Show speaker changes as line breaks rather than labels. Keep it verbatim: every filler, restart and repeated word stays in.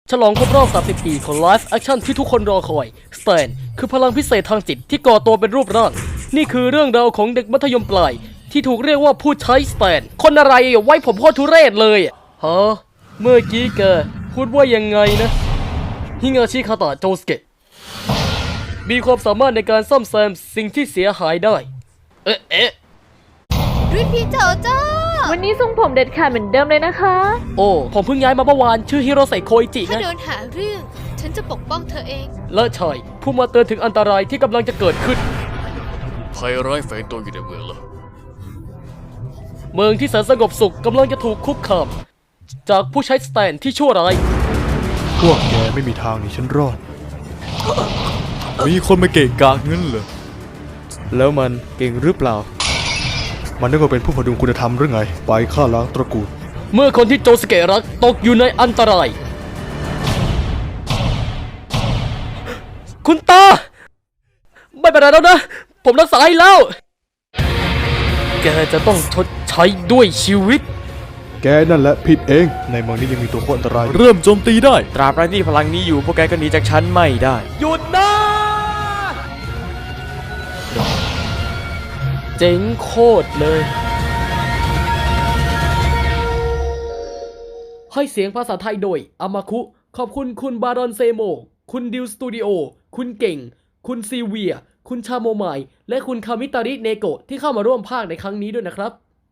ฉลองครบรอบสามสิบปีของไลฟ์แอคชั่นที่ทุกคนรอคอยสแตนคือพลังพิเศษทางจิตที่ก่อตัวเป็นรูปร่างนี่คือเรื่องราวของเด็กมัธยมปลายที่ถูกเรียกว่าผู้ใช้สแตนคนอะไรไว้ผมโคตรทุเรศเลยฮะเมื่อกี้แกพูดว่ายังไงนะฮิงาชิคาตะโจสเกะมีความสามารถในการซ่อมแซมสิ่งที่เสียหายได้เอ๊ะเอ๊ะ
รุ่นพี่โจโจ้
วันนี้ทรงผมเด็ดขาดเหมือนเดิมเลยนะคะ
โอ้ผมเพิ่งย้ายมาเมื่อวานชื่อฮิโรเซโคอิจิ
ถ้า
นะ
โดนหาเรื่อง ฉันจะปกป้องเธอเอง
และชายผู้มาเตือนถึงอันตรายที่กำลังจะเกิดขึ้น
ภัยร้ายแฝงตัวอยู่ในเมืองแล้ว
เมืองที่แสนสงบสุขกำลังจะถูกคุกคามจากผู้ใช้สแตนที่ชั่วร้าย
พวกแกไม่มีทางหนีฉันรอด มีคนมาเกะกะงั้นเหรอ แล้วมันเก่งหรือเปล่า มันนึกว่าเป็นผู้พดุงคุณธรรมหรือไง ไปฆ่าล้างตระกูล
เมื่อคนที่โจสเกะรักตกอยู่ในอันตราย คุณตา ไม่เป็นไรแล้วนะ ผมรักษาให้แล้ว แกจะต้องชดใช้ด้วยชีวิต
แกนั่นแหละผิดเอง ในเมืองนี้ยังมีตัวโคตรอันตราย
เริ่มโจมตีได้ ตราบใดที่พลังนี้อยู่พวกแกก็หนีจากฉันไม่ได้
หยุดนะ เจ๋งโคตรเลย ให้เสียงภาษาไทยโดยอามาคุ ขอบคุณคุณบารอนเซโม คุณดิวสตูดิโอ คุณเก่ง คุณซีเวีย คุณชาโมไมและคุณคามิตาริเนโกะที่เข้ามาร่วมภาคในครั้งนี้ด้วยนะครับ